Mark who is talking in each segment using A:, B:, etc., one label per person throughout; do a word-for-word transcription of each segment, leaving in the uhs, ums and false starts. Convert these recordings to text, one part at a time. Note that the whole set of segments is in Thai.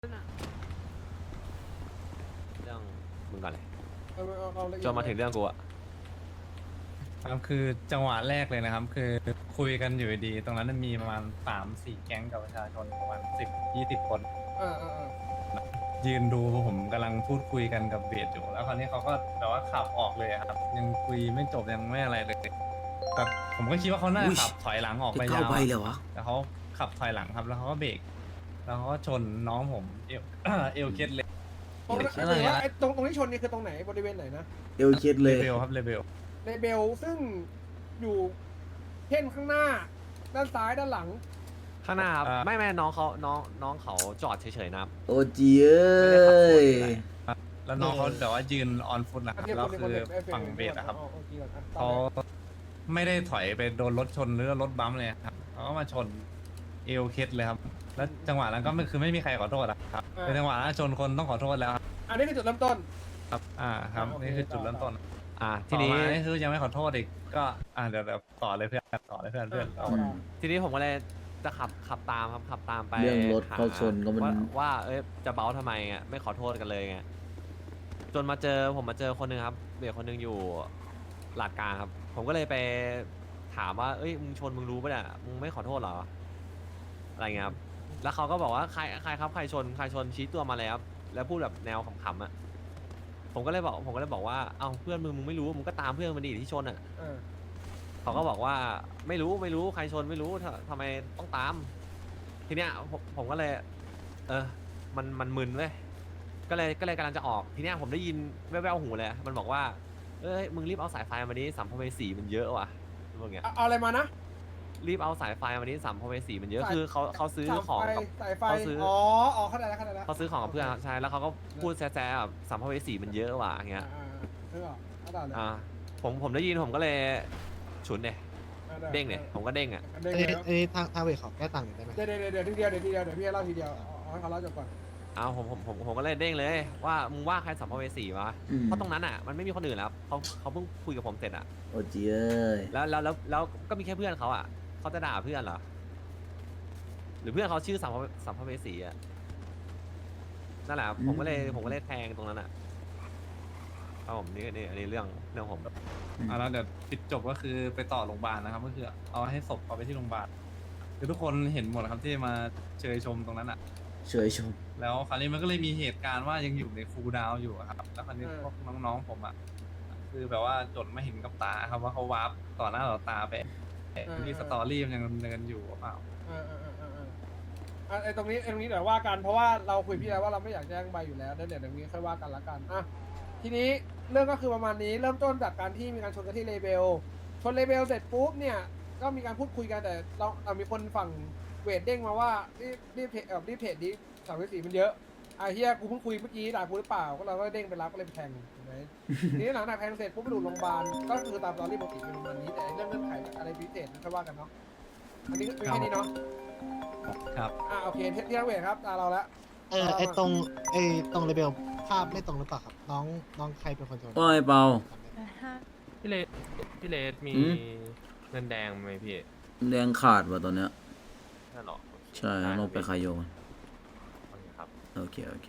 A: เรื่องมึงก่อนเลย
B: เอาเอาเอาละเอียด
A: จนมาถึงเรื่องกูอะ
C: ครับคือจังหวะแรกเลยนะครับ คือคุยกันอยู่ดีๆตรงนั้นมันมีประมาณสามสี่แก๊งกับประชาชนประมาณสิบยี่สิบคน
B: อ่าอ่าอ่า
C: ยืนดูผมกำลังพูดคุยกันกับเบสอยู่ แล้วคราวนี้เขาก็แบบว่าขับออกเลยอะครับ ยังคุยไม่จบยังไม่อะไรเลยแต่ผมก็คิดว่าเขาน่าจะขับถอยหลังออกไป
D: จะเข้าย
C: าว
D: ไปเลยวะ
C: แต่เขาขับถอยหลังครับ แล้วเขาก็เบรกแล้วเขาก็ชนน้องผมเอว เอวเคล็ดเลย
B: ตรงนั้น
C: อะไร
B: ถือว่า
C: อะ
B: ไอ้ตรงตรงที่ชนนี่คือตรงไหนบริเวณไหนนะ
D: เอลเคสเล
C: เลย เบลครับเลเบล
B: ในเบลซึ่งอยู่เช่นข้างหน้า ด้านซ้ายด้านหลัง
A: ข้างหน้าครับไม่ไม่น้องเขาน้องน้องเขาจอดเฉยๆนะครับ
D: โอจีเอ้ย
C: แล้วน้องเขาแต่ว่ายืนออนฟุตนะค
B: อั
C: รั
B: น
C: บ
B: นี้
C: แล้ว
B: คน
C: คือ
B: คนเอฟเฟกต์
C: ฝั่งเบสอะครับ
B: อาเอาเอาเอา
C: เขาไม่ได้ถอยไปโดนรถชนหรือรถบัมป์เลยครับเขาก็มาชนเอวเคสเลยครับ แล้วจังหวะนั้นก็ไม่คือไม่มีใครขอโทษอะครับเป็นจังหวะนั้นชนคนต้องขอโทษแล้วครับ
B: อันนี้คือจุดเริ่มต้น
C: ครับอ่าครับ
B: โอเค
C: นี่คือจุดเริ่มต้น
A: อ่าที
C: ที
A: นี้
C: นี้นี่คือยังไม่ขอโทษอีกก็อ่าเดี๋ยวเดี๋ยวต่อเลยเพื่อนต่อเลยเพื่อนเพื่อนเอา
D: อืม
A: ทีนี้ผมก็เลยจะขับขับตามครับขับตามไป
D: เรื่องรถ
A: ห
D: เข้าชนก็มัน
A: ว่าว่าเอ้ยจะเบ้าทำไมอ่ะไม่ขอโทษกันเลยไงจนมาเจอผมมาเจอคนหนึงครับเด็กคนหนึงอยู่ลาดกลางครับ ผมก็เลยไปถามว่าเอ้ยมึงชนมึงรู้ปะเนี่ยมึงไม่ขอโทษเหรออะไรเงี้ยครับแล้วเขาก็บอกว่าใครใครครับใครชนใครชนชี้ตัวมาเลยครับแล้วพูดแบบแนวขำๆอ่ะผมก็เลยบอกผมก็เลยบอกว่าเอ้าเพื่อนมึงมึงไม่รู้มึงก็ตามเพื่อนมันดิที่ชนอ่ะ
B: อ่า
A: เขาก็บอกว่าไม่รู้ไม่รู้ใครชนไม่รู้ทำทำไมต้องตาม ทีเนี้ยผมผมก็เลย เออ มันมันมึนเว้ยก็เลยก็เลยกำลังจะออกทีเนี้ยผมได้ยินแว่วๆหูเลยมันบอกว่าเอ้ยมึงรีบเอาสายไฟมาดิสัมภเวสีมันเยอะว่ะพวกเงี้ย
B: เอาเอาอะไรมานะ
A: รีบเอาสายไฟมาดิสัมภเวสีมันเยอะ
B: สาย
A: คือเขาเขาซื้อของ
B: สายไฟ
A: กับ
B: สายไฟ
A: เขาซื้ออ๋
B: อ๋ออ๋อเข้าใจแล้วเข้าใจแล้ว
A: เขาซื้อของกับเพื่อนครับใช่แล้วเขาก็พูดแซ่ๆแบบสัมภเวสีมันเยอะว่ะอย่างเงี้
B: อ่าย อ่าเออเข้าใจเลย
A: อ่าผมผมได้ยินผมก็เลยฉุนเนี่ย
B: อ่า
A: เด้งเนี่ยผมก็เด้งอ่ะ
B: เด้ง
E: อันนี้
B: เลย
E: อันนี้ทางทางเวทขอแก้ต่างหน่อยได้ไหม
B: เดี๋ยวเดี๋ยวเดี๋ยวทีเดียวเดี๋ยวทีเดียวเดี๋ยวพี่เล่าทีเดียวเอาเอาให้เขาเล่าจบก่อน
A: เอาผมผมผมผมก็เลยเด้งเลยว่ามึงว่าใครสัมภเวสีวะ
D: อืม
A: เพราะตรงนั้นอ่ะมันไม่มีคนอื่นแล้วเขาเขาเพิ่งคุยกับผมเสร็จอ่ะ
D: โอจีเอ้ย
A: แล้วแล้วแล้วแล้วก็มีแค่เพื่อนเขาอ่ะเขาจะด่าเพื่อนเหรอหรือเพื่อนเขาชื่อสัมภเวสัมภเวสีอ่ะนั่นแหละครับผมก็เลยผมก็เลยแทงตรงนั้นอ่ะเอาผมนี่นี่อันนี้เรื่องเรื่องผม
C: อ่าแล้วเดี๋ยวปิดจบก็คือไปต่อโรงพยาบาลนะครับก็คือเอาให้ศพเอาไปที่โรงพยาบาลคือทุกคนเห็นหมดครับที่มาเชยชมตรงนั้นอ่ะ
D: เฉยชม
C: แล้วคราวนี้มันก็เลยมีเหตุการณ์ว่ายังอยู่ในคูลดาวน์อยู่อะครับ แล้วคราวนี้พวกน้องๆผมอ่ะคือแบบว่าจดไม่เห็นกับตาครับว่าเขาวาร์ปต่อหน้าต่อตาไปที่สตอรี่มันยังดำเนินอยู่หรือเปล่า
B: อ่าอ่าอ่าอ่าอ่าอ่ะไอ้ตรงนี้ไอ้ตรงนี้เดี๋ยวว่ากันเพราะว่าเราคุยพี่แล้วว่าเราไม่อยากแจ้งใบอยู่แล้วเดี๋ยวเดี๋ยวตรงนี้ค่อยว่ากันละกันอ่ะทีนี้เรื่องก็คือประมาณนี้เริ่มต้นจากการที่มีการชนกันที่เลเบลชนเลเบลเสร็จปุ๊บเนี่ยก็มีการพูดคุยกันแต่เราเอามีคนฝั่งเวทเด้งมาว่ารีบรีบเพจเอ่อรีบเพจนี้สามสีมันเยอะไอ้เฮียกูเพิ่งคุยเมื่อกี้ด่ากูหรือเปล่าก็เราก็เด้งไปรับก็เลยไปแทงถูกไหม ทีนี้หลังจากแทงเสร็จปุ๊บไปดูโรงพยาบาลก็คือตามตอรี่ปกติเป็นประมาณนี้แต่เรื่องเงื่อนไขอะไรพิเศษค่อยว่ากันเนาะอันนี้มีแค่นี้เนาะ
C: ครับ
B: อ่าโอเคเที่ยงเวทครับตาเราละ
E: เออไอตรงไอตรงเลเบลภาพไม่ตรงหรือเปล่าครับ น้องน้องใครเป็นคนชน
D: โอ้ยเปา
F: พี่เลสพี่เลสมี
D: อืม
F: เงินแดงไหมพี่
D: แรงขาดว่ะตอนเนี้ย
F: นั่นหรอ
D: ใช่ลงไปคายโยน
F: โอเคครับ
D: โอเค โอเค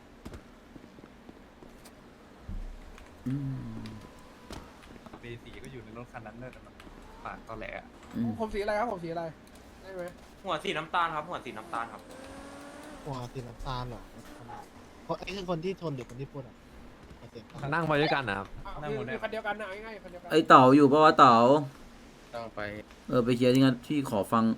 D: อืม
C: เบสีก็อยู่ในรถคันนั้นเลยแต่มันปากตอแหลอะ
D: อืม
B: ผมสีอะไรครับผมสีอะไรได้ไหม
F: หัวสีน้ำตาลครับ หัวสีน้ำตาลครับ
E: หัวสีน้ำตาลเหรอคนไอคือคนที่ชนหรือคนที่พูดอ่ะขอเสียงครับ
A: นั่งไปด้วยกันนะครับ
B: อ่ะคือคือคันเดียวกันนะเอาง่ายๆคันเดียวกัน
D: ไอเต๋าอยู่ปะวะเต๋า
F: ต้องไป
D: เออไปเคลียร์ที่งานพี่ขอฟัง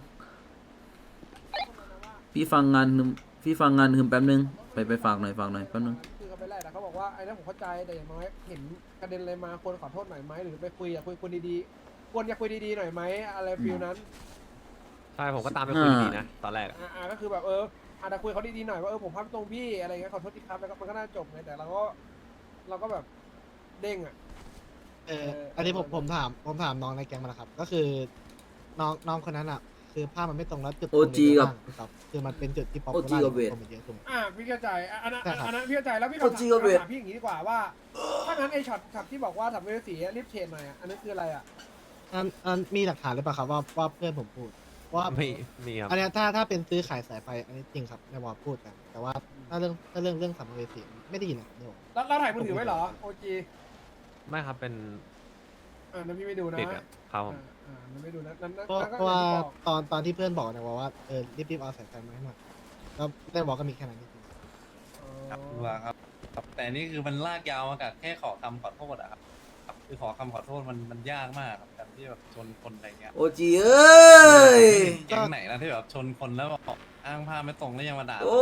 D: พี่ฟังงานฮึมพี่ฟังงานฮึมแป๊บนึง ไปไปฝากหน่อยฝากหน่อยแป๊บนึง
B: คือเขาไปไล่แต่เขาบอกว่าไอ้นั่นผมเข้าใจแต่อย่างน้อยเห็นกระเด็นอะไรมาควรขอโทษหน่อยไหมหรือไปคุยอยากคุยคุยดีๆควรอยากคุยดีๆหน่อยไหมอะไรฟิลนั้น
A: ใช่ผมก็ตามไปคุยดีๆนะตอนแรกอะ
B: อ่าอ่าก็คือแบบเอออาจจะคุยเขาดีๆหน่อยว่าเออผมพลาดตรงพี่อะไรเงี้ยขอโทษทีครับแล้วก็มันก็น่าจบไงแต่เราก็เราก็แบบเด้งอ่ะ
E: เอออันนี้ผมผมถามผมถามน้องในแก๊งมาแล้วครับ ก็คือน้องน้องคนนั้นอ่ะ คือภาพมันไม่ตรงแล้วจุดตรง
D: โอจีกับ
E: ครับคือมันเป็นจุดที่ป๊อป
D: โอ
E: ปู
D: จี
E: ล่า
D: กับเวท
E: คนมันเยอะถูกไหม
B: อ่าพี่เข้าใจอ่ะอันนั้น
E: ใช่ครับ
B: อันนั้นพี่เข้าใจแล้วพี่
D: โอ้
B: ขอ
D: จริ
B: ถาง ม
D: เหรอเวท
B: ถามพี่อย่างนี้ดีกว่าว่าถ้างั้นไอช็อตช็อตที่บอกว่าสัมภเวสีรีบเทรนหน่อยอ่ะอันนั้นคืออะไรอ่ะ
E: อันอันมีหลักฐานหรือเปล่าครับว่าว่าเพื่อนผมพูดว่า
A: ไม่มีครับ
E: อันเนี้ยถ้าถ้าเป็นซื้อขายสายไฟอันนี้จริงครับในวอลพูดกัน แต่ว่าถ้าเรื่องถ้าเรื่องเรื่องสัมภเวสีไม่ได้ยินนะเดี๋ยว
B: แล้วเราถ่ายมือถือไว้เหรอโอจี
A: ไม่ครับเป็น
B: อ่านั่นพี่ไม่ดูนะ
A: ปิดอะครับผม
B: อ่าอ่านั่นไม่ดูนะนั่นนั่น
E: เพราะ
B: นั่นก็
E: เพราะว่า
B: อย่างที่บอก
E: ตอนตอนที่เพื่อนบอกเนี่ยว่าเออรีบๆเอาสายไฟมาให้หน่อยแล้วได้บอกก็มีแค่นั้นจริง
C: ครับรู้ว่าครับครับ แต่นี่คือมันลากยาวมากับแค่ขอคำขอโทษอะครับครับคือขอคำขอโทษมันมันยากมากครับการที่แบบชนคนอะไรเงี้ย
D: โอจีเอ้ย
C: แก๊งไหนนะที่แบบชนคนแล้วบอกอ้างภาพไม่ตรงแล้วยังมาด่า
D: โอ้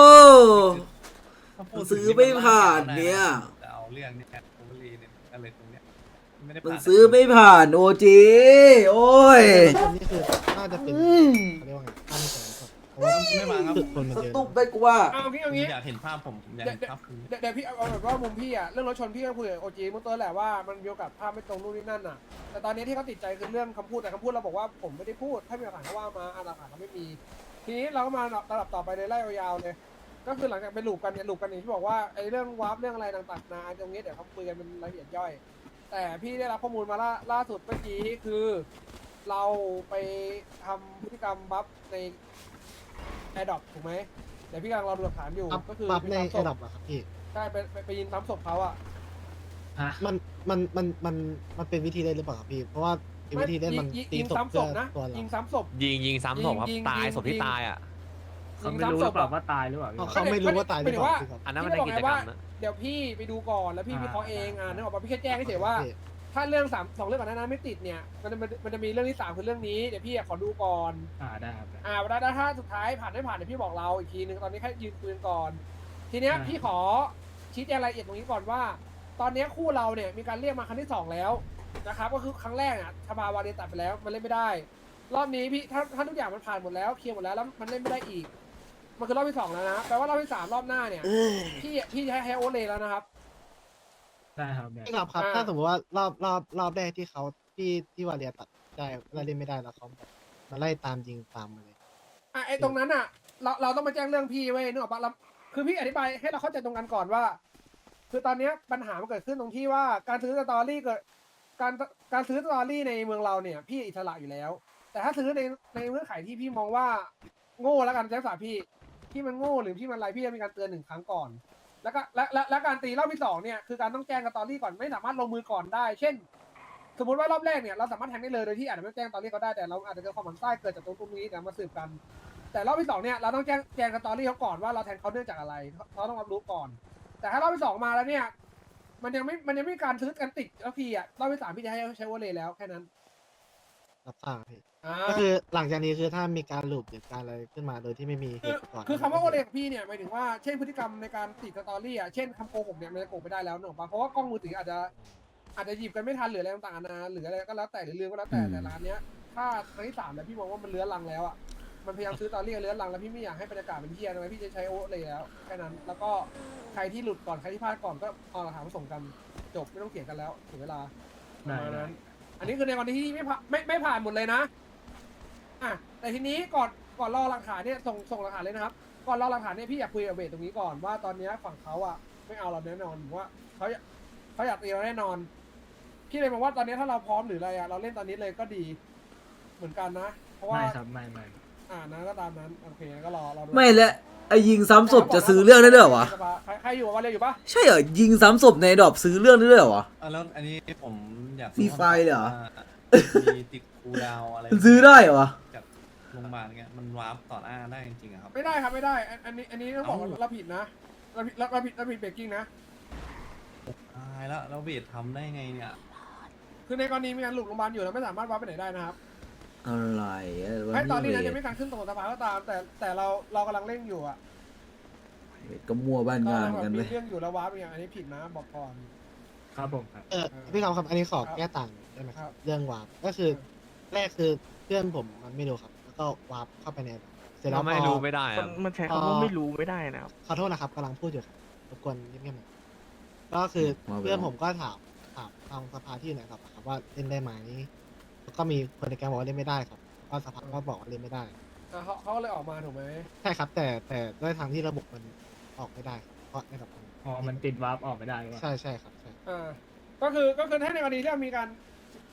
C: ถ้าพูดถึง
D: ซื้อไม่ผ่านเนี่ย
C: จะเอาเรื่องเนี่ยโอเวอรีเนี่ยอะไรตรงเนี้ยไม่ได้
D: มัน
C: ผ่าน
D: ซื้อไม่ผ่านโอจีโอ้ย
E: ๆคนนี้คือน่าจะเป็นเขาเรียกว่าไงตั้งใจครับเพราะว่า
C: ไม่มาครับ
E: จุดคนมัน
D: ส
E: เยอะ
D: ตุ๊บไปกูว่า
B: เอางี้
C: ผ
B: เอา
C: ม
B: งี้
C: อยากเห็นภาพผมผมอยากเห็นภาพคุณ
B: เดี๋ยวเดี๋ยวพี่เอาเอาแบบว่ามุมพี่อะเรื่องรถชนพี่ก็คุยกับโอจีเมื่อต้นแหละว่ามันมีโอกาสภาพไม่ตรงนู่นนี่นั่นอะแต่ตอนนี้ที่เขาติดใจคือเรื่องคำพูดแต่คำพูดเราบอกว่าผมไม่ได้พูดถ้ามีหลักฐานก็ว่ามาอ่ะหลักฐานเราไม่มี ทีนี้เราก็มาระดับต่อไปเลยไล่ยาวๆเลย ก็คือหลังจากไปลูปกันเนี่ยลูปกันอย่างที่บอกว่าไอ้เรื่องวาร์ปเรื่องอะไรต่างๆนาตรงนี้เดี๋ยวเขาคุยกันเป็นรายละเอียดย่อย แต่พี่ได้รับข้อมูลมาล่าล่าสุดเมื่อกี้คือ เราไปทำพฤติกรรมบัฟในแอร์ดอปถูกไหมเดี๋ยวพี่กำลังรอดูหลักฐานอยู่
E: ปั๊บ
B: ก็คือ
E: ปั๊บใน
B: ไป
E: ไอ้
B: ซ้ำศ
E: ดอ
B: พ
E: ปอะครับพี่
B: ใช่ไปไปไปยิงซ้ำศพเขาอะ
E: มันมันมันมันมันเป็นวิธีเล่นหรือเปล่าครับพี่ เพราะว่าไอ้วิธีเล่นมัน
B: ยิง
E: ตี
B: ยิง
E: ศพ
B: ซ้ำศ
E: เพื่อ
B: พนะ
E: ตัวเรา
B: ยิงซ้ำศพ
A: ยิงยิงซ้ำศพครับ
B: ยิง
A: ตาย
B: ยิง
A: ศพที่
B: ยิง
A: ตายอ่ะ
G: เขาไม่รู้หรือเปล่าว่าตายหรือเปล่าพี่
E: เขาเขาไม่รู้ว่าตายหรือเปล่าพี่ครับ
A: อันนั้นมันในกิจกรรมนะ
B: เดี๋ยวพี่ไปดูก่อนแล้วพี่
G: อ่า
B: วิเคราะห์เอง
G: อ่า
B: อ่านึกออกปะพี่แค่แจ้งเฉยๆว่า
E: พี่
B: ถ้าเรื่องสามสองเรื่องก่อนหนานั้นไม่ติดเนี่ยมันมันมันจะมีเรื่องที่สามคือเรื่องนี้เดี๋ยวพี่อะขอดูก่อน
G: อ่าได้ครับได้
B: อ่าแล้วถ้าสุดท้ายผ่านไม่ผ่านเดี๋ยวพี่บอกเราอีกทีนึงตอนนี้แค่ยืนคุยกันก่อน ทีเนี้ย
G: อ่า
B: พี่ขอชี้แจงรายละเอียดตรงนี้ก่อนว่า ตอนเนี้ยคู่เราเนี่ยมีการเรียกมาครั้งที่สองแล้วนะครับก็คือครั้งแรกอ่ะชบาวาเดตัดไปแล้วมันเล่นไม่ได้ รอบนี้พี่ถ้าถ้าทุกอย่างมันผ่านหมดแล้วเคลียร์หมดแล้วแล้วมันเล่นไม่ได้อีก มันคือรอบที่สองแล้วนะแปลว่ารอบที่สามรอบหน้าเนี่ยพี่พี่จะให้ให้โอเลแล้วนะครับ
G: ได้ครับได้
E: พี่ครับครับ
B: อ่า
E: ถ้าสมมติว่ารอบรอบรอบแรกที่เขาที่ที่วาเลียตัดได้เราเล่นไม่ได้แล้วเขามาไล่ตามยิงตามมาเลย
B: อ่ะไอ้ตรงนั้นอ่ะเราเราต้องมาแจ้งเรื่องพี่ไว้ยนึกออกปะเราคือพี่อธิบายให้เราเข้าใจตรงกันก่อนว่า คือตอนเนี้ยปัญหามันเกิดขึ้นตรงที่ว่าการซื้อสตอรี่เกิดการการซื้อสตอรี่ในเมืองเราเนี่ย พี่อิสระอยู่แล้ว แต่ถ้าซื้อในในเงื่อนไขที่พี่มองว่าโง่แล้วกันใช้ภาษาพี่ที่มันโง่หรือที่มันอะไรพี่จะมีการเตือนหนึ่งครั้งก่อน แล้วก็และและและการตีรอบที่สองเนี่ยคือการต้องแจ้งสตอรี่ก่อนไม่สามารถลงมือก่อนได้ เช่น สมมติว่ารอบแรกเนี่ยเราสามารถแทงได้เลยโดยที่อาจจะไม่แจ้งสตอรี่เขาได้แต่เราอาจจะเกิดความหมั่นไส้เกิดจากตรงตรงนี้แต่มาสืบกัน แต่รอบที่สองเนี่ยเราต้องแจ้งแจ้งสตอรี่เขาก่อนว่าเราแทงเขาเนื่องจากอะไรเขาต้องรับรู้ก่อน แต่ถ้ารอบที่สองมาแล้วเนี่ย มันยังไม่มันยังไม่มีการซื้อกันติดแล้วพี่อ่ะรอบที่สามพี่จะให้ใช้วอลเลย์แล้วแค่นั้น
E: รับทราบพี่
B: อ่า
E: ก็คือหลังจากนี้คือถ้ามีการหลุดหรือการอะไรขึ้นมาโดยที่ไม่มีเห
B: คือ
E: ตุก่อน
B: คือคำว่าโอเลของพี่เนี่ยหมายถึงว่าเช่นพฤติกรรมในการติดสตอรี่อ่ะเช่นคำโกหกเนี่ยมันจะโกหกไม่ได้แล้วเนอะปะเพราะว่ากล้องมือถืออาจจะอาจจะหยิบกันไม่ทันหรืออะไรต่างๆนานาหรืออะไรก็แล้วแต่หรือลืมก็แล้วแต่แต่ร้านเนี้ยถ้าครั้งที่สามแล้วพี่มองว่ามันเลื้อนลังแล้วอ่ะมันพยายามซื้อสตอรี่กันเลื้อนลังแล้วพี่ไม่อยากให้บรรยากาศเป็นเที่ยทำไมพี่จะใช้โอเลยแล้วแค่นั้นแล้วก็ใครที่หลุดก่อนใครที่พลาดก่อนก็เอาหลักฐานมาส่งกันจบไม่ต้องเถียงกันแล้วถึงเวลาประ
G: ได้
B: มาณ
G: ได้
B: นั้น อันนี้คือในกรณีที่ไม่ผ่านไม่ไม่ผ่านหมดเลยนะ อ่ะแต่ทีนี้ก่อนก่อนรอหลักฐานเนี่ยส่งส่งหลักฐานเลยนะครับ ก่อนรอหลักฐานเนี่ยพี่อยากคุยกับเบสตรงนี้ก่อนว่าตอนเนี้ยฝั่งเขาอ่ะไม่เอาเราแน่นอนหรือว่าเขาอยากเขาอยากตีเราแน่นอน พี่เลยมองว่าตอนนี้ถ้าเราพร้อมหรืออะไรอ่ะเราเล่นตอนนี้เลยก็ดี เหมือนกันนะ เพราะว่า
G: ไม่ครับไม่ไม่
B: อ่านะก็ตามนั้นโอเคก็รอรอดู
D: ไม่และไอยิงซ้ำศพจะซื้อเรื่องได้ด้วยเหรอวะ
B: ใครใครอยู่ว่าเรียอยู่ปะ
D: ใช่เหรอยิงซ้ำศพในดอบซื้อเรื่องได้ด้วยเหรอวะ
C: อ่ะแล้วอันนี้ผมอยาก
D: ฟรีไฟล์เลยเหรอ
C: ว่ามีติดคูลดาวน์อะไร
D: มันซื้อได้เหรอวะ
C: จากโรงพยาบาลเงี้ยมันวาร์ปต่อหน้าได้จริงๆอะครับ
B: ไม่ได้ครับไม่ได้อันอันนี้อันนี้ต้องบอกว่า
C: เอ้า
B: เราผิดนะเราผิดเราผิดเราผิดเบรกกิ้งนะ
C: ตายแล้วแล้วเวททำได้ไงเนี่ย
B: คือในกรณีมีการหลุดโรงพยาบาลอยู่เราไม่สามารถว่าไปไหนได้นะครับ
D: อะไรอะ
B: ให้ตอนนี้นะ
D: เว
B: ยัง
D: ท
B: ไม่การขึ้นตรงสภาก็ตาม แต่แต่เราเรากำลังเร่งอยู่อ่ะ
D: เวทก็มั่วบ้าน
B: ก็
D: งาน
B: แบบ
D: กัน
B: มี
D: เลย
B: เรื่องอยู่แล้วว้าไปอย่างอันนี้ผิดนะบอกก่อน
G: ครับผมครับ
E: เออ
B: เออ
E: พี่ครับครับอันนี้ขอ
B: ครับ
E: แก้ต่างได้ไหมค
B: ครั
E: รับบ เรื่องวาร์ปก็คือแรกคือเพื่อนผมมันไม่รู้ครับ แล้วก็วาร์ปเข้าไปในเสร็จแล้
A: เรา
E: ว
A: ไม่
E: พอ
A: รู้ไม่ได้ครับ
H: มันใช้คำว่าไม่รู้ไม่ได้นะครับ
E: ขอโทษนะครับกำลังพูดอยู่ครับรบกวนเงียบๆหน่อยก็คือ
D: ว่าไป
E: เพื่อนผมก็ถามถามทางสภาที่อยู่ไหนครับครับว่าเล่นได้ไหมแล้วก็มีคนในแก๊งบอกว่าเล่นไม่ได้ครับก็สภาก็บอกว่าเล่นไม่ได้
B: อ่ะเขาเขาก็เลยออกมาถูกไหม
E: ใช่ครับ แต่แต่ด้วยทางที่ระบบมันออกไม่ได้ครับเพราะในระบบ
G: อ๋อมันติดวาร์ปออกไม่ได้หรือเปล่า
E: ใช่ใช่ครับใช่
B: อ่าก็คือก็คือถ้าในกรณีที่เรามีการ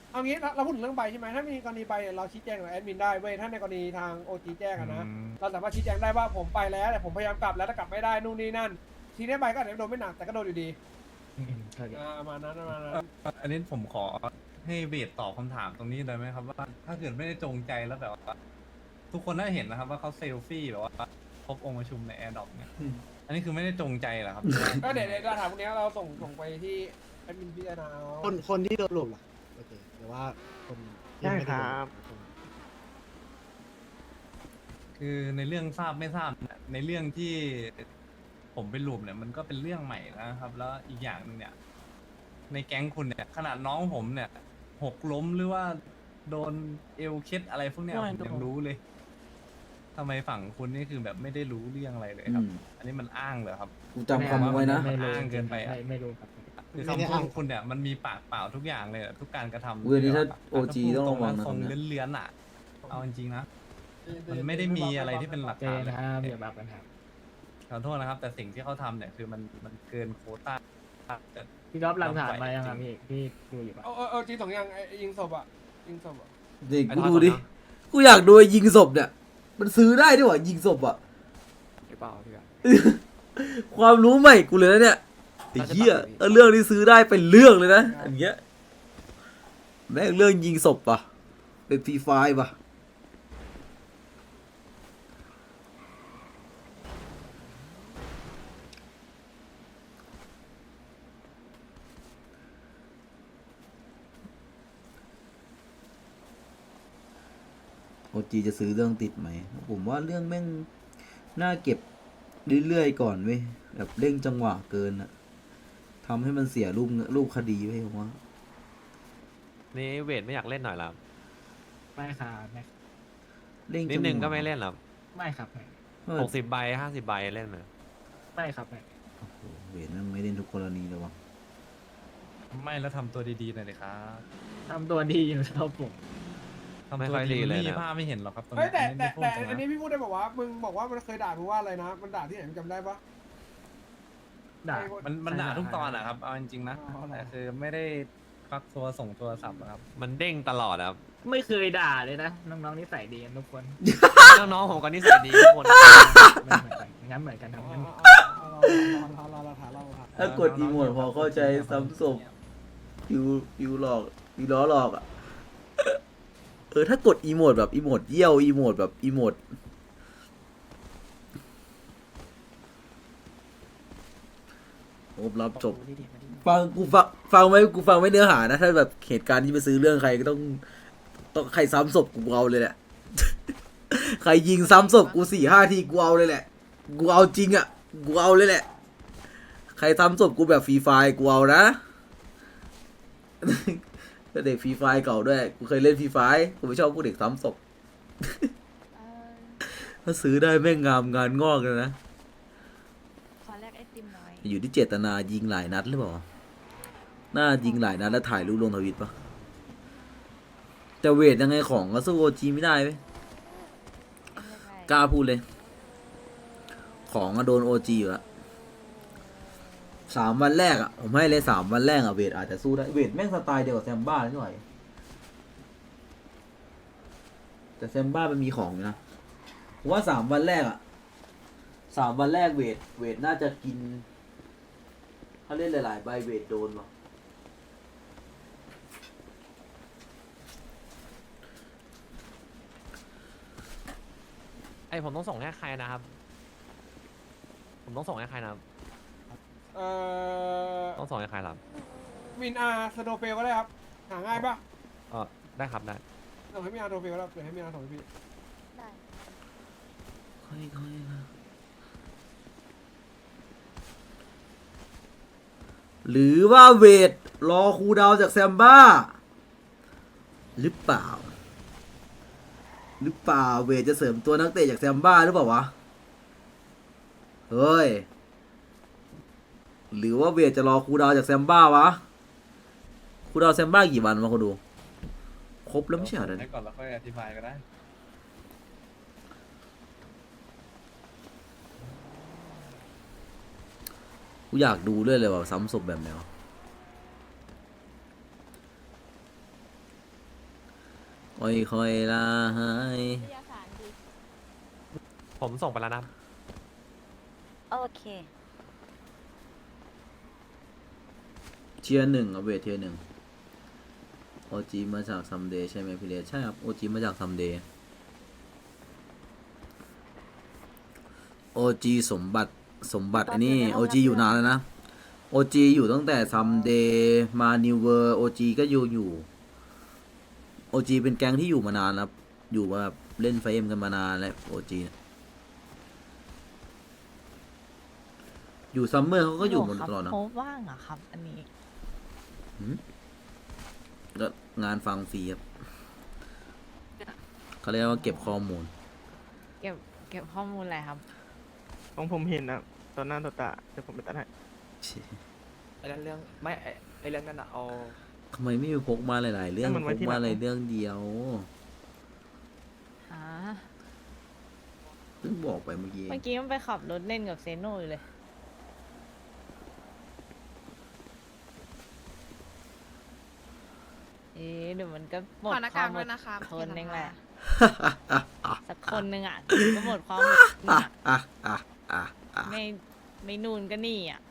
B: เอางี้เราเราพูดถึงเรื่องใบใช่ไหมถ้ามีกรณีใบเนี่ยเราชี้แจงกับแอดมินได้เว้ยถ้าในกรณีทางโอจีแจ้งอะนะ
C: อืม
B: เราสามารถชี้แจงได้ว่าผมไปแล้วแต่ผมพยายามกลับแล้วแต่กลับไม่ได้นู่นนี่นั่น ทีนี้ใบก็อาจจะโดนไม่หนักแต่ก็โดนอยู่ดี
G: อืมเข้าใจ
B: อ่าประมาณนั้นประมาณนั้น
C: อันนี้ผมขอให้เบสตอบคำถามตรงนี้ได้ไหมครับว่าถ้าเกิดไม่ได้จงใจแล้วแบบว่าทุกคนน่าเห็นนะครับว่าเขาเซลฟี่แบบว่าพบองค์ประชุมในแอร์ดรอปเนี่ยอันนี้คือไม่ได้จงใจเหรอครับ
B: ก็เดี๋ยวเดี๋ยวเราถามพวกนี้เราส่งส่งไปที่แอดมินพิจารณาเอา
E: คนคนที่โดนหลุมล่ะโอเคแต่ว่าคนที่
H: ได้
E: ไม่
H: ค
E: ได้
H: รับ
E: โดนหลุม
C: คือในเรื่องทราบไม่ทราบเนี่ยในเรื่องที่ผมไปหลุมเนี่ยมันก็เป็นเรื่องใหม่นะครับ แล้วอีกอย่างหนึ่งเนี่ย ในแก๊งคุณเนี่ย ขนาดน้องผมเนี่ย หกล้มหรือว่าโดนเอวเคล็ดอะไรพวกเนี้ยผมยังรู้เลยทำไมฝั่งคุณนี่คือแบบไม่ได้รู้เรื่องอะไรเลยครับ
D: อืม
C: อันนี้มันอ้างเหรอครับ
D: กูจำคำไว้นะ
G: ไม่รู้
C: อ้างเกินไปอะ
G: ม่ไม่รู้ครับ
C: คือคำพูดของคุณเนี่ยมันมีปากเปล่าทุกอย่างเลยอะทุกการกระทำ
D: เว้ยนี่ถ้า
C: แบบ
D: โอจีต้องระวังนะ
C: ทรง
D: คำเนี้ย
C: เลื้อนๆอ่ะ เอาจริงๆนะ มันไม่ได้มีอะไรที่เป็นหลัก
G: เจ
C: ฐาน
G: น
C: เลย
G: นะครับอย่าบับกันครับ
C: ขอโทษนะครับ แต่สิ่งที่เขาทำเนี่ยคือมันมันเกินโควต้าแต่
G: พี่ก๊อฟหลักฐานมายังครับพี่พี่ดูอยู่ปะ
B: เออเออเออจริงสองอย่างไอ้ไอ้ยิงศพอ่ะยิงศพอ่ะ
D: เด็ก
A: ไอ้
D: กู
A: ทอ
D: ดูดิ
A: ก่อนนะ
D: กูอยากดูไอ้ยิงศพเนี่ย มันซื้อได้ด้วยวะยิงศพอ่ะ
A: หรือเปล่าพี่กัน
D: ความรู้ใหม่กูเลยนะเนี่ยไอ้เหี้ยเออเรื่องนี้ซื้อได้เป็นเรื่องเลยนะอันเงี้ยแม่งเรื่องยิงศพป่ะเป็นฟรีไฟล์ป่ะโอจีจะซื้อเรื่องติดไหมผมว่าเรื่องแม่งน่าเก็บเรื่อยๆก่อนเว้ยแบบเร่งจังหวะเกินอะทำให้มันเสียรูปรูปคดีเว้ยผมว่า
A: นี่เวทไม่อยากเล่นหน่อยเหรอ
G: ไม่ครับไม่
D: เร่ง
A: นิ
D: จั
A: ด
D: งหวะ
A: นึงก็ไม่เล่นหรอ
G: ไม่ครับไม่
D: เออ
A: หกสิบใบห้าสิบใบเล่นไหม
G: ไม่ครับไม่
D: โอ้โหเวทนั่งไม่เล่นทุกกรณีเลยวะ
C: ไม่แล้วทำตัวดีๆหน่อยเลยครับ
G: ทำตัวดีอยู่ครับผม
C: ทำ
A: ไม่
C: ตัว
A: ค่อย
C: ดี
A: ดี
C: มัน
A: เลย
C: ไม่มี
A: นะ
C: ภาพไม่เห็นหรอกครับตรง
B: เฮ้ย
C: นี้
B: แต่
C: อันนี้
B: แต่
C: พูด
B: แต่
C: ตรง
B: อันนี้
C: นะ
B: พี่พูดได้บอกว่ามึงบอกว่ามันเคยด่ามึงว่าอะไรนะมันด่าที่ไหนมึงจำได้ปะ
G: ด่า
C: มันมันด่าทุกตอนอะครับ เอาจริงๆนะ
B: อ๋อเหรอ
C: แต่คือไม่ได้ควักตัวส่งโทรศัพท์อะครับ
A: มันเด้งตลอดครับ
G: ไม่เคยด่าเลยนะน้องๆนิสัยดีกันทุกคน
A: น้องๆผมก็นิสัยดีทุกคน
G: ไม่เหมือนกันงั้นเหมือนกันครับงั้น
B: เราเราเราถามเราถาม
D: ถ้ากดอีโมดพอเข้าใจซ้ำศพฟิวฟิวหลอกฟิวล้อหลอกอ่ะ เออถ้ากดอีโมดแบบอีโมดเยี่ยวอีโมดแบบอีโมดโอบรับจบ ฟังกูฟังฟังไหมกูฟังไม่เนื้อหานะ ถ้าแบบเหตุการณ์ที่ไปซื้อเรื่องใครก็ต้องต้องใครซ้ำศพกูเอาเลยแหละ ใครยิงซ้ำศพกูสี่ห้าทีกูเอาเลยแหละ กูเอาจริงอ่ะ กูเอาเลยแหละ ใครซ้ำศพกูแบบฟรีไฟล์กูเอานะ แต่เด็กฟรีไฟล์เก่าด้วย กูเคยเล่นฟรีไฟล์กูไม่ชอบพวกเด็กซ้ำศพ ถ้าซื้อได้แม่งงามงานงอกเลยนะ
I: ขอแลกไอติมหน่อย
D: อยู่ที่เจตนายิงหลายนัดหรือเปล่า น่ายิงหลายนัดแล้วถ่ายรูปลงทวิตปะแต่เวทยังไงของก็สู้โอจีไม่ได้เว้ย
I: เอ็มเลือกอะไร
D: กล้าพูดเลย ของก็โดนโอจีอยู่แล้วสามวันแรกอ่ะ ผมให้เลยสามวันแรกอ่ะเวทอาจจะสู้ได้ เวทแม่งสไตล์เดียวกับแซมบ้านิดหน่อย แต่แซมบ้ามันมีของอยู่นะ ผมว่าสามวันแรกอ่ะสามวันแรกเวท เวทน่าจะกิน ถ้าเล่นหลายๆใบเวทโดนว่ะ
A: ไอผมต้องส่งให้ใครนะครับ ผมต้องส่งให้ใครนะครับ
B: เอ่อ
A: ต้องส่งให้ใครครับ
B: มินอาร์สโนเฟลก็ได้ครับหาง่ายปะ
A: เออได้ครับได้
B: ส่งให้มินอาร์สโนเฟลก็ได้เดี๋ยวให้มินอาร์ส่งให้พี่
I: ได้
D: ค่อยๆนะหรือว่าเวทรอคูลดาวน์จากแซมบ้า หรือเปล่า หรือเปล่าเวทจะเสริมตัวนักเตะจากแซมบ้าหรือเปล่าวะ เฮ้ย หรือว่าเวทจะรอคูลดาวน์จากแซมบ้าวะ คูลดาวน์แซมบ้ากี่วันมาคนดู ครบแล้วไม่ใช่เหรอ
C: ให้ก่อนแล้วค่อยอธิบายก็ได้
D: กูอยากดูด้วยเลยว่าซ้ำศพแบบไหนวะค่อยๆลาหาย
I: วิทยาศาสตร์ดี
A: ผมส่งไปแล้วนะ
I: โอเค
D: เทียร์หนึ่งเอาเวทเทียร์หนึ่งโอจีมาจากซัมเดย์ใช่ไหมพี่เลสใช่ครับโอจีมาจากซัมเดย์โอจีสมบัติสมบัติอันนี้โอจีอยู่นานแล้วนะโอจีอยู่ตั้งแต่ซัมเดย์มานิวเวอร์โอจีก็อยู่อยู่โอจีเป็นแก๊งที่อยู่มานานครับอยู่มาแบบเล่นไฟเอ็มกันมานานแล้วโอจีอยู่ซัมเมอร์เขาก็อยู่หมดตลอดนะ
I: โพสว่างเหรอครับ อันนี้
D: ก็งานฟังฟรีครับเขาเรียกว่าเก็บข้อมูล
I: เก็บเก็บข้อมูลอะไรครับ
H: ของผมเห็นนะตอนหน้าต่อตาเดี๋ยวผมไปตัดให้
F: ไอ้เรื่องเรื่องไม่ไอ้ไอ้เรื่องนั้นอะเอา
D: ทำไมไม่มีพกมาหลาย ๆ เรื่อง
H: ให้มัน
D: พ
H: ไว้
D: ก
H: ที่หลั
D: มาง อะไรเรื่องเดียว
I: อ่า
D: เพิ่งบอกไปเมื่อกี้
I: เมื่อกี้มันไปขับรถเล่นกับเซโน่อยู่เลย เอ๊ะเดี๋ยวมันก็หมด
J: ขอหน้าาก
I: ควากม
J: ด้
I: อ
J: วย
I: ด
J: นะคะ
I: ทนเองแหละ
D: อ่ะ
I: สักคนหนึ่งอ่ะก็หมดความอดทนอ่ะ
D: อ่ะอ่ะอ่ะอ่ะ
I: ไม่ไม่นูนก็นี่อ่ะ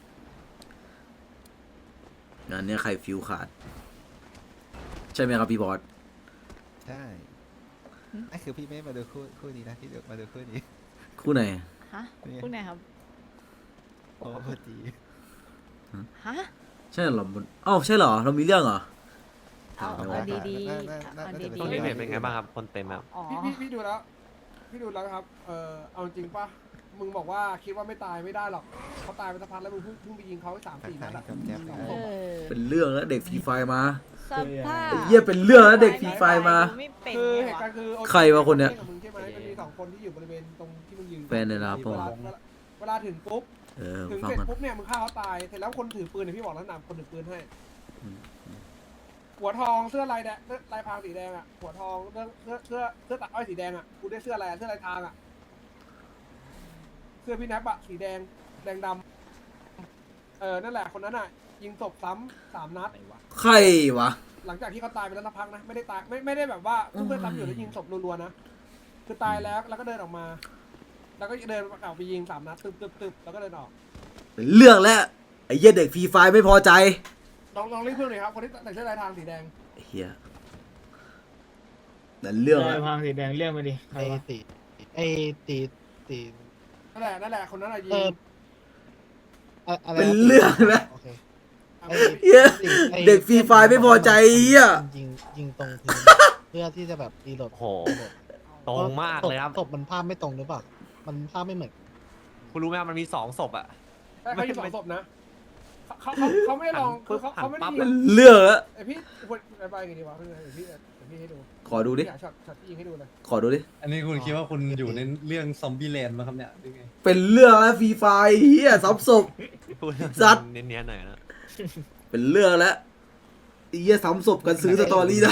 D: งานเนี้ยใครฟิวขาด ใช่ไหมครับพี่บอส
K: ใช่ไอ้คือพี่ไม่มาดูคู่คู่นี้นะพี่มาดูคู่นี้
D: คู่ไหน
I: ฮะ
K: เนี่ย
I: พูดไหนครับ
K: โอ้โหจี
I: ฮะ
D: ใช่เหรอมันอ้าวใช่เหรอ เรามีเรื่องเหรอ
I: เอา
D: ถาม
I: เอา
D: ไม่
I: ดี
D: ว่า
I: ดีๆเอาดี
A: ตรงนี้
I: ๆ
A: เวทเป็นไงบ้างครับ คนเต็มครับ
I: อ๋อ
B: พี่พี่พี่ดูแล้ว พี่ดูแล้วครับ เออเอาจริงปะมึงบอกว่าคิดว่าไม่ตายไม่ได้หรอกเขาตายไปสักพักแล้วมึงเพิ่งเพิ่งไปยิงเขาไปสามสี่นัดอะ
K: กับแก๊ป
B: สอง
I: เอ
B: ศพอะ
I: อ
D: เป็นเรื่องแล้วเด็กฟรีไฟมา
I: สภาพ
D: ไอ้เหี้ยเป็นเรื่องแล้วเด็กฟรีไฟมา
I: ไม่เป็น
B: คือ
I: ไง
B: เหตุ
I: วะ
B: การณ์คือ
D: ใครวะคนเนี้ย
B: กับมึงใช่ไหมมันมีสองคนที่อยู่บริเวณตรงที่มึงยืน
D: แฟนในร้าน
B: เว
D: ปะ
B: ลาว
D: ะ
B: เวลาเวลาถึงปุ๊บ
D: เออ
B: ถึง
D: ฟัง
B: เสร็จ
D: มัน
B: ปุ๊บเนี่ยมึงฆ่าเขาตายเสร็จแล้วคนถือปืนเนี่ยพี่บอกแล้วนำคนถือปืนให้
D: อืม
B: หัวทองเสื้อลายแดงเสื้อลายพรางสีแดงอ่ะหัวทองเสื้อเสื้อเสื้อเสื้อตัดอ้อยสีแดงอ่ะกูได้เสื้ออะไรอะเสื้อลายทางอ่ะเสื้อพี่แนปอะสีแดงแดงดำเออนั่นแหละคนนั้นอ่ะ ยิงศพซ้ำสามนัด
D: ใครวะ
B: หลังจากที่เขาตายไปแล้วสักพักนะไม่ได้ตายไม่ไม่ได้แบบว่าเพื่อนซ้ำอยู่แล้วยิงศพรัวๆนะคือตายแล้วแล้วก็เดินออกมา แล้วก็เดินกลับไปยิงสามนัดตึบตึบตึบแล้วก็เดินออก
D: เป็นเรื่องแล้วไอ้เหี้ยเด็กฟรีไฟไม่พอใจ
B: ลองลองเรียกเพื่อนหน่อยครับคนที่ใส่เสื้อลายทางสีแดง
D: ไอ้เหี้ยแต่เรื่อง
G: ได้
D: แล้ว
G: พางสีแดงเรื่องไปดิใคร
E: ไอ้
G: วะ
E: ตีไอ้ตีตี
B: นั่นแหละนั่นแหละคนนั้นอะยิ
E: เอง ออะอะไร
D: เป็นเรื่องแล้ว
E: โอเค
B: เอา
E: ไอ้
B: ไป
D: เหี้ย
E: ไอ้
D: เด็กฟรีไฟไม่พอใจไอ้เหี้ย
E: ยิงยิงตรงพื้น เพื่อที่จะแบบรีโหลด
A: โห ตรงมากเลยครับ
E: ศพมันภาพไม่ตรงหรือเปล่ามันภาพไม่เหมือน
A: คุณรู้ไหมครับมันมีสองศพอะ
B: ใช่เขายิงสองศพนะเขาเขาเขาไม่ได้ลองคือเขาเขาไม่ได้
A: หันปั๊บ
B: ยิ
D: เป็
B: ง
D: นเรื่องแล้ว
B: ไอพี่ควรไปไงดีวะเพื่อนเดี๋ยวพี่เดี๋ยวพี่ให้ดู
D: ขอดูดิ
B: อยากช็อตช็อตที่ยิงให้ดูเลย
D: ขอดูดิ
C: อันนี้คุณคิดว่าคุณอยู่ในเรื่องซอมบี้แลนด์มั้งครับเนี่ยหรือไง
D: เป็นเรื่องแล้วฟรีไฟเหี้ยซับศพ
A: พูด
D: สัตว์
A: เนียนๆหน่อยนะ
D: เป็นเรื่องแล้วไอ้เหี้ยซ้ำศพกันซื้อสตอรี่ได้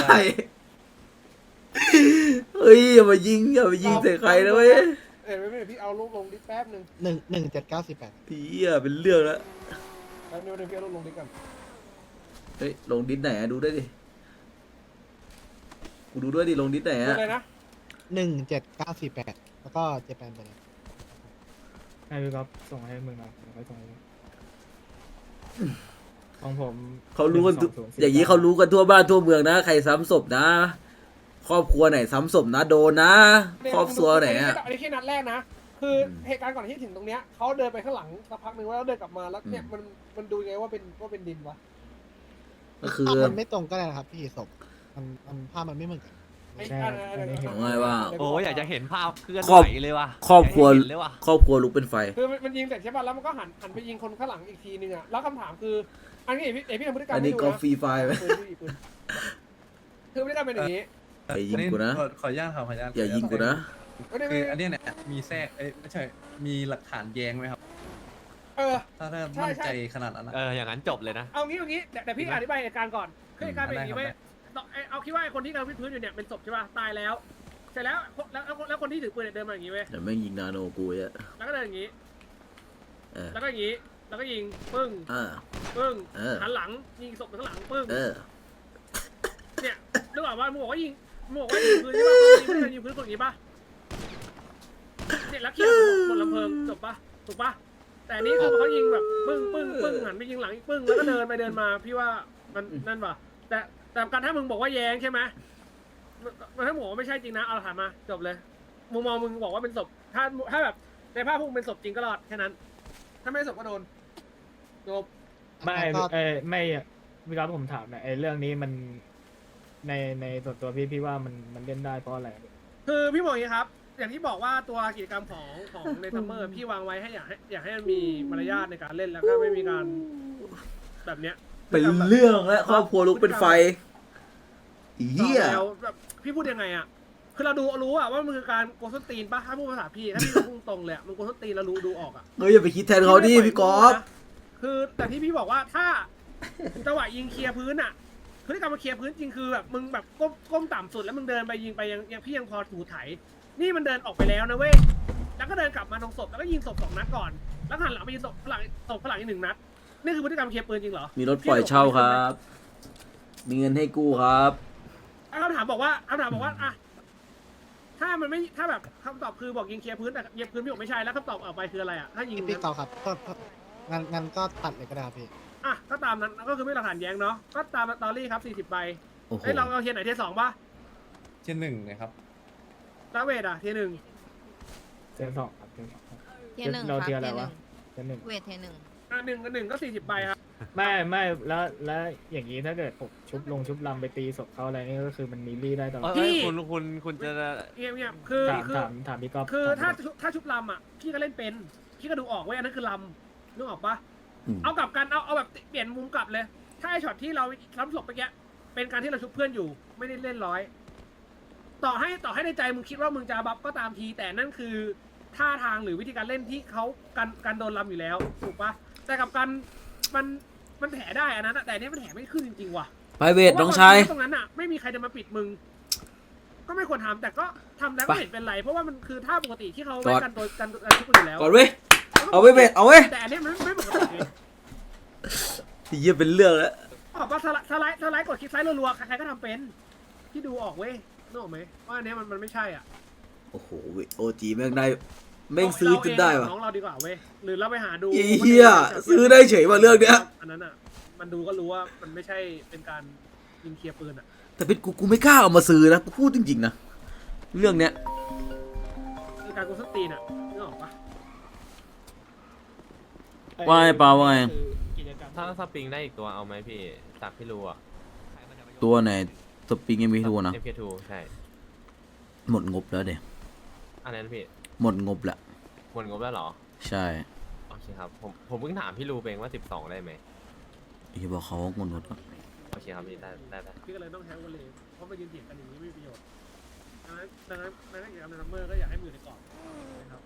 D: เฮ้ยอย่ามายิงอย่ามายิงใส่ใครนะเว้ย
B: เดี๋ยวไม่ไม่เดี๋ยวพี่เอาลูกลงดิสแป๊บหนึ่ง
E: หนึ่งหนึ่งเจ็ดเก้าสี่แปด
D: เหี้ยเป็นเรื่องแล้ว
B: แป๊บนึงเดี๋ยวพี่เอาลูกลงดิสกัน
D: เฮ้ยลงดิสไหนอะดูด้วยดิกูดูด้วยดิลงดิสไหน
B: ดู
D: อะ
B: เลยนะ
E: หนึ่งเจ็ดเก้าสี่แปดแล้วก็เจแปนไปเลย
G: ให้พี่ก๊อฟส่งให้มึงหน่อยเดี๋ยวค่อยส่งให้มึงของผม
D: เขารู้กันทุก
G: หงสศูย์
D: อย่างนี้เขารู้กันทั่วบ้านทั่วเมืองนะใครซ้ำศพนะ ครอบครัวไหนซ้ำศพนะโดนนะ ครอบครัวไหนอะ
B: อันนี้แค่นัดแรกนะ คือเหตุการณ์ก่อนที่ถึงตรงเนี้ยเขาเดินไปข้างหลังสักพักหนึ่งแล้วเดินกลับมาแล้วเนี่ยมันมันดูยังไงว่าเป็นว่าเป็นดินวะ
D: ก็คือ
E: ภาพมันไม่ตรงก็ได้นะครับพี่ศพมันมันภาพมันไม่เหมือนกัน
B: ไอ้
G: ใช่
B: อันอันอัน
G: อันนี้เห็น
D: เอาง่ายว่า
A: โอ้ยอยากจะเห็นภาพเคลื่อน
D: ครอบ
A: ไหวเลยว่ะ
D: ครอบครัว
A: อยากให้เห็นเลยว่ะ
D: ครอบครัวลุกเป็นไฟ
B: คือมันมันยิงเสร็จใช่ป่ะแล้วมันก็หันหันไปยิงคนข้างหลังอีกทีนึงอ่ะแล้วคำถามคือ อันนี้เอพี่เอพี่ทำพฤติกรรม
D: อัน
B: ให้
D: นี้
B: ดู
D: ก็
B: นะ
D: ฟรีไฟไหม
B: ปืนพี่ปืนคือพฤติกรรมเป็นอย่างนี้
D: อย่ายิงกูนะ
C: ขอขออนุญาตครับขออนุญาต
D: อย่ายิงกูนะ
B: ไม่ได้
C: คือ
B: ไม่
C: อัน
B: ได้
C: เนี้ยเนี่ยมีแทรกเอ้ยไม่ใช่มีหลักฐานแย้งไหมครับ
B: เออ
C: ถ้าถ้า
B: ใช่
C: มั่น
B: ใช่
C: ใจขนาดนั้นนะ
A: เอออย่างนั้นจบเลยนะ
B: เอางี้เอางี้แต่แต่พี่อธิบายเหตุการณ์ก่อนคือเหตุการณ์เป็นอย่างนี้
C: ได้
B: เว้ย
C: ครับ
B: เอาเอาคิดว่าไอ้คนที่กำลังวิดพื้นอยู่เนี่ยเป็นศพใช่ป่ะตายแล้ว เสร็จแล้วแล้วแล้วแล้วคนที่ถือปืนเนี่ยเดินมาอย่างนี้เว้ย
D: แต่แม่งยิงนาโนกูอะ
B: แล้วก็เดินอย่างนี้
D: เออ
B: แล้วก็อย่างนี้ แล้วก็ยิงปึ้ง
D: เออ
B: ปึ้ง
D: เออ
B: หันหลังยิงศพไปข้างหลังปึ้ง
D: เออ
B: เนี่ยนึกออกว่ามึงบอกว่ายิงมึงบอกว่ายิงพื้นใช่ปะมึงไม่ได้ยิงพื้นตรงนี้ปะเนี่ยลักเคียร์บนลำเพลิงจบปะถูกปะแต่นี่คือเขายิงแบบปึ้งปึ้งปึ้งหันไปยิงหลังอีกปึ้งแล้วก็เดินไปเดินมาพี่ว่ามันนั่นปะแต่แต่การถ้ามึงบอกว่าแย้งใช่ไหมมันถ้าบอกว่าไม่ใช่จริงนะเอาถามมาจบเลยมุมมองมึงบอกว่าเป็นศพถ้าถ้าแบบในภาพพวกมึงเป็นศพจริงก็รอดแค่นั้น ถ้าไม่ศพก็โดนจบ
G: ไม่
E: ก็
G: เออไม่อะพี่ก๊อฟผมถามหนะไอ้เรื่องนี้มันในในส่วนตัวพี่พี่ว่ามันมันเล่นได้เพราะอะไร
B: คือพี่บอกอย่างนี้ครับ อย่างที่บอกว่าตัวกิจกรรมของของในซัมเมอร์พี่วางไว้ให้อยากให้อยากให้มันมีมารยาทในการเล่นแล้วก็ไม่มีการแบบเนี้ย
D: เป็นเรื่องและครอบครัวลุกเป็นไฟอีเหี้ย
B: แล้วแบบพี่พูดยังไงอ่ะคือเราดูรู้อ่ะว่ามันคือการโกส้นตีนป่ะถ้าพูดภาษาพี่ถ้าพี่พูดตรงๆเลยอะมันโกส้นตีนเรารู้ดูออกอ่ะ
D: เฮ้ยอย่าไปคิดแทนเขาดิพี่กอล์ฟ
B: คือแต่ที่พี่บอกว่าถ้าจังหวะยิงเคลียร์พื้นอ่ะพฤติกรรมมาเคลียร์พื้นจริงคือแบบมึงแบบก้มก้มต่ำสุดแล้วมึงเดินไปยิงไปยังยังพี่ยังพอถูไถ นี่มันเดินออกไปแล้วนะเว้ยแล้วก็เดินกลับมาตรงศพแล้วก็ยิงศพสองนัดก่อนแล้วหันหลังไปยิงศพฝรั่งศพฝรั่งอีกหนึ่งนัดนี่คือพฤติกรรมเคลียร์ปืนจริงเหรอ
D: มีรถปล่อยเช่าครับ มีเงินให้กู้ครับ
B: คำถามบอกว่าคำถามบอกว่าอะถ้ามันไม่ถ้าแบบคำตอบคือบอกยิงเคลียร์พื้นแต่เคลียร์พื้นพี่บอกไม่ใช่แล้วคำตอบออกไปคืออะไรอ่ะถ้ายิง
E: พี่เกาครับก็ก็งั้นงั้นก็ตัดเลยก็ได้ครับพี่
B: อ่ะก็ตามนั้นก็คือไม่หลักฐานแย้งเนาะก็ตามสตอรี่ครับสี่สิบใบ
D: โอ้โห
B: เอ้ยเราเราเทียร์ไหนเทียร์สองป่ะ
C: เช่นหนึ่งเลยครับ
B: ตาเวทอ่ะเทียร์หนึ่ง
G: เจนสองครับเจนสองครับ
I: เทียร์หนึ่ง
G: เรา
I: ครับ
G: เทียร์อะไร
I: เทียร์ห
G: วะ
I: นึ่ง
G: เทียร์หนึ่ง
I: เวทเทียร์หนึ่ง
B: อ่ะหนึ่งกับหนึ่งก็สี่สิบใบครับ
G: ไม่ไม่แล้วแล้วอย่างนี้ถ้าเกิดผมชุบลงชุบลำไปตีศพเขาอะไรนี่ก็คือมันมีรี่ได้ตลอด
A: เอ้ยคุณคุณคุณจะ
B: เงียบเงียบคือ
G: ถาม
B: คือ
G: ถามถามพี่ก๊อฟ
B: คือ
G: ถาม
B: ถ้า
G: พี่ก๊อฟ
B: ถ้าชุบลำอ่ะพี่ก็เล่นเป็นพี่ก็ดูออกเว้ยอันนั้นคือลำนึกออกปะ
D: อืม
B: เอากลับกันเอาเอาแบบเปลี่ยนมุมกลับเลย ถ้าไอช็อตที่เราล้ำศพไปแกเป็นการที่เราชุบเพื่อนอยู่ ไม่ได้เล่นร้อย ต่อให้ต่อให้ในใจมึงคิดว่ามึงจะบัฟก็ตามที แต่นั่นคือท่าทางหรือวิธีการเล่นที่เขาการการโดนลำอยู่แล้วถูกปะแต่กับการมันมันแถได้อันนั้นอะแต่อันนี้มันแถไม่ขึ้นจริงๆว่ะ
D: ไปเวทน้องชาย
B: ตรงนั้นอ่ะไม่มีใครจะมาปิดมึง ก็ไม่ควรทำแต่ก็ทำแล้วก็ไม่เห็นเป็นไร เพราะว่ามันคือท่าปกติที่เขาไม่กันตัวกันกันทุกคนอยู่แล้ว
D: ก่อนเว้ย เอาเว้ยเวทเอาเว้ย
B: แต่อันนี้มันไม่ปกติเลย
D: เหี้ยเป็นเรื่องแล้ว
B: ออกมาสไลด์สไลด์สไลด์กดคลิกซ้ายรัวๆใครๆก็ทำเป็นที่ดูออกเว้ยนึกออกไหมว่าอันนี้มันมันไม่ใช่อ่ะ
D: โอ้โหโอจีแม่งได้แม่งซื้อจนได้วะ
B: น้องเราดีกว่าเว้ยหรือเราไปหาดู
D: อีเหี้ยซื้อได้เฉยว่ะเรื่องเนี้ย
B: อันนั้นอ่ะมันดูก็รู้ว่ามันไม่ใช่เป็นการยิงเคลียร์ปืนอ่ะ
D: แต่เป็นกูกูไม่กล้าเอามาซื้อนะกูพูดจริงๆนะเรื่องเนี้ย
B: คือการกูสตีนอ่ะนึกออกปะ
D: ว่าไงเปล่าว่าไง
G: กิจกรรม
A: ถ้าสปริงได้อีกตัวเอาไหมพี่จากพี่รู้อ่ะ
D: ตัวไหนสปริงยังมีทัวนะ
A: เอ็ม เค ทู ใช่
D: หมดงบแล้วเด็
A: อันนั้นพี่
D: หมดงบแล้ว
A: หมดงบแล้วเหรอ
D: ใช่
A: โอเคครับผมผมเพิ่งถามพี่รู้เองว่าสิบสองได้ไหม
D: ที่บอกเขาว่าหมดงบแล้ว
A: โอเคครับพี่ได้ได้ได้
B: พี่ก็เลยต้องใช้วันเลยเพราะมายืนเถียงกันอย่างนี้ไม่มีประโยชน์ดังนั้นดังนั้นดังนั้นกิจกรรมในซัมเมอร์ก็อยากให้มือในกรอบนะครับ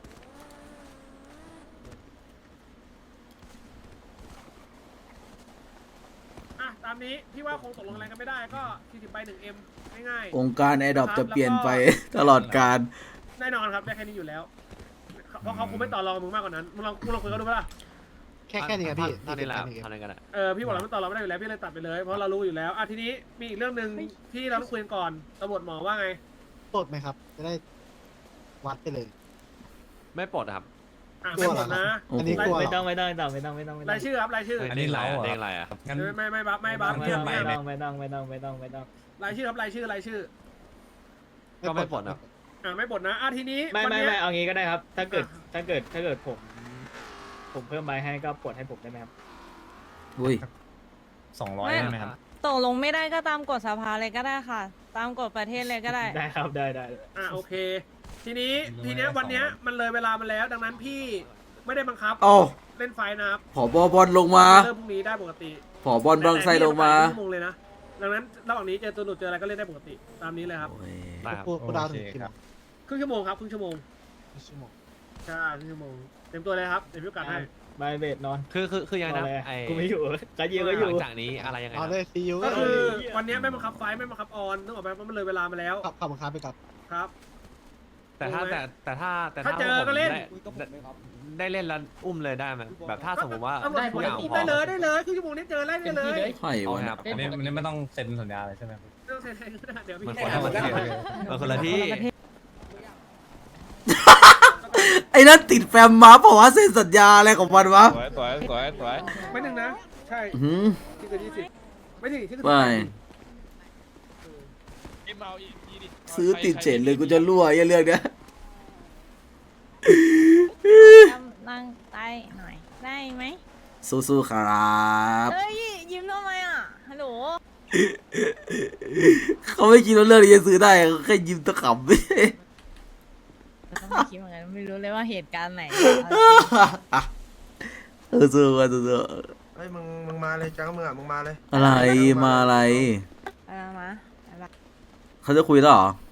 B: อ่ะตามนี้พี่ว่าคงตกลงอะไรกันไม่ได้ก็สี่สิบใบหนึ่งเอ็มง่าย
D: องค์การแอร์ดรอปจะเปลี่ยนไปตลอดการ
B: ๆแน่นอนครับได้แค่นี้อยู่แล้วเพราะเขาคงไม่ต่อรองมึงมากกว่านั้นมึงลองมึงลองคุยกันดูปะล่ะ
E: แค่แค่นี้ครับพี่
A: เท่านี้แหละ
E: สี่สิบ
A: เท่านี้กันแหละ
B: เออพี่บอกเราไม่ต่อรองไม่ได้อยู่แล้วพี่เลยตัดไปเลยเพราะเรารู้อยู่แล้วอ่ะทีนี้มีอีกเรื่องหนึ่งที่เราต้องคุยกันก่อนตำรวจหมอว่าไง
E: ปลดไหมครับ จะได้วัดไปเลย
A: ไม่ปลดอะครับ
B: อ่ะไม่หมดนะ
D: โอ้โห
E: อันนี้กลัว
G: ไม่ต้องไม่ต้องไม่ต้องไม่ต้องไม่ต้องไม่ต้
B: รา
G: อย ง
B: ชื่อครับรายชื่อ
C: อันนี้เราเหรอ
A: เด้งอะไรอะ
C: งั้น
B: ไม่ไม่ไม่บัฟไม่บัฟ
G: ไม่
B: เทีย
G: ต้
B: บ
G: อง
B: ไม่
G: ไม่
B: บัฟ
G: ต้องไม่ต้องไม่ต้องไม่ต้องไม่ต้อง
B: รายชื่อครับรายชื่อรายชื่อ
A: ก็ไม่ปลดอะ
B: อ่าไม่บ่นนะอ่ะทีนี้
G: ไม่
B: วัน
G: ไม่
B: เนี้ย
G: ไม่เอางี้ก็ได้ครับ ถ้าเกิด
B: อ่ะ
G: ถ้าเกิดถ้าเกิดผม ผมเพิ่มใบให้ก็ปลดให้ผมได้ไหมครับ
D: อุ้ย
C: สองร้อย
I: ไม่
C: ได้ไหมครับ
I: ตกลงไม่ได้ก็ตามกฎสภาเลยก็ได้ค่ะ ตามกฎประเทศเลยก็ได้
G: ได้ครับได้ได้
B: อ่าโอเค ทีนี้ทีเนี้ยวันเนี้ยมันเลยเวลามาแล้ว ดังนั้นพี่ไม่ได้บังคับ
D: เอ้า
B: เล่นไฟนะครับ
D: ผอบอบอลลงมา
B: เริ่มพรุ่งนี้ได้ปกติ
D: ผอบอลบางไซลงมา
B: แต่พี่จะไปชั่วโมงเลยนะดังนั้นระหว่างนี้เจอตัวหลุดเจออะไรก็เล่นได้ปกติตามนี้เลยครับ
D: โอ้ย
A: ได้ครับ
E: พูดพูดดาวถึง
C: โอเค
E: กี่
C: ค
E: โม
C: รับ
E: ง
B: ครึ่งชั่วโมงครับครึ่งชั่วโมง
E: ชั่วโมง
B: ใช่ครึ่งชั่วโมงเต็มตัวเลยครับเดี๋ยวพี่โอกาสให้
G: ใบเบสนอน
A: คือคือคือยังไง
G: นอน
A: นะ
G: เลย
A: ไอ้
G: กูไม่อยู่ก็ยืนก็อ
A: หลั
G: ยู่
A: งจากนี้อะไรยังไง
E: เอา
A: นะ
E: เลยซียู
B: ก็คือ
G: เหี้ย
B: วันเนี้ยไม่บังคับไฟไม่บังคับออนนึกออกไหมเพราะมันเลยเวลามาแล้ว
E: ขับขับบังคับไปกับ
B: ครับ
A: แต่ถ้า
B: รู้ไหม
A: แต่แต่ถ้าแต่
B: ถ้าเจอ
A: ผม
B: ก็เล่น
A: ได้ได้เล่นแล้วอุ้มเลยได้ไหมแบบถ้าสมมติว่า
B: ตำรวจ
A: ทุกอย่าง
B: อุ้ม
A: พร้อ
B: ได้
A: ม
B: เลยได้เลยครึ่งชั่วโมงนี้เจอไล่ได้เลย
D: ไข่
A: เอา
D: วะ
A: ค
D: เนี่
A: รั
D: ย
A: บ
C: อันนี้อันนี้ไม่ต้องเซ็นสัญญาเลยใช่ไหมครับ
B: ต้องเซ็นให้ก็ได้เดี๋ยวพี่
A: มัน
B: ให้
A: คนละ
B: หา
A: ประเทศมันคนละที่
D: ไอ้นั่นติดแฟมมาเพราะว่าเซ็นสัญญาอะไรของมันวะ
C: สวยสวยสวยสวย
B: ไม่หนึ่งนะ ใช่
D: อื้อหือ
B: ที่เกินยี่สิบไม่ถึงที่เกิน
D: ไม่ ซื้อติดเฉดเลยกูจะรั่วไอ้เรื่องเนี้ย
I: นั่งใต้หน่อย ได้ไหม
D: สู้ๆครับ
I: เฮ้ย ยิ้มทำไมอ่ะ ฮัลโหล
D: เขาไม่คิดว่าเรื่องนี้จะซื้อได้เขาแค่ยิ้มตะขำ
I: ก็ไม่คิดเหมือนกันไม่รู้เลยว่าเหตุการณ์ไหน
D: เออสู้กันสู้
J: เฮ้ยมึงมึงมาเลยจ้ามึงอ่ะมึงมาเลย
D: ๆอะไรมาอะไร
I: เอามาเอามา
D: เขาจะคุยแล้วเหรอ
I: เ